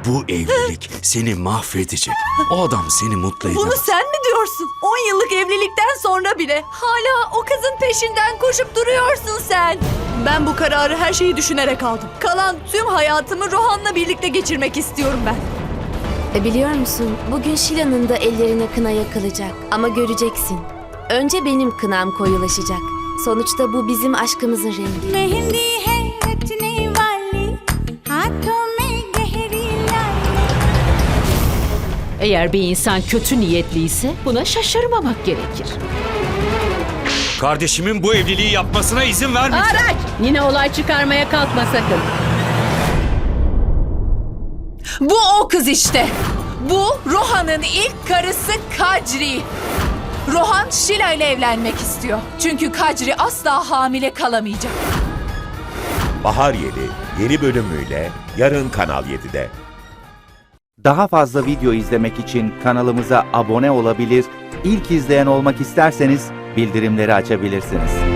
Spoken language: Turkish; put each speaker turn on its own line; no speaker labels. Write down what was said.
Bu evlilik seni mahvedecek. O adam seni mutlu edemez.
Bunu sen mi diyorsun? 10 yıllık evlilikten sonra bile hala o kızın peşinden koşup duruyorsun sen. Ben bu kararı her şeyi düşünerek aldım. Kalan tüm hayatımı Rohan'la birlikte geçirmek istiyorum ben.
Biliyor musun, bugün Şila'nın da ellerine kına yakılacak. Ama göreceksin. Önce benim kınam koyulaşacak. Sonuçta bu bizim aşkımızın rengi.
Mehndi है रचने वाली हाथों में गहरी लाली.
Eğer bir insan kötü niyetliyse buna şaşırmamak gerekir.
Kardeşimin bu evliliği yapmasına izin vermeyeceğim.
Araç! Yine olay çıkarmaya kalkma sakın.
Bu o kız işte. Bu Rohan'ın ilk karısı Kadri. Rohan Şila ile evlenmek istiyor. Çünkü Kadri asla hamile kalamayacak.
Bahar Yeli yeni bölümüyle yarın Kanal 7'de.
Daha fazla video izlemek için kanalımıza abone olabilir, ilk izleyen olmak isterseniz bildirimleri açabilirsiniz.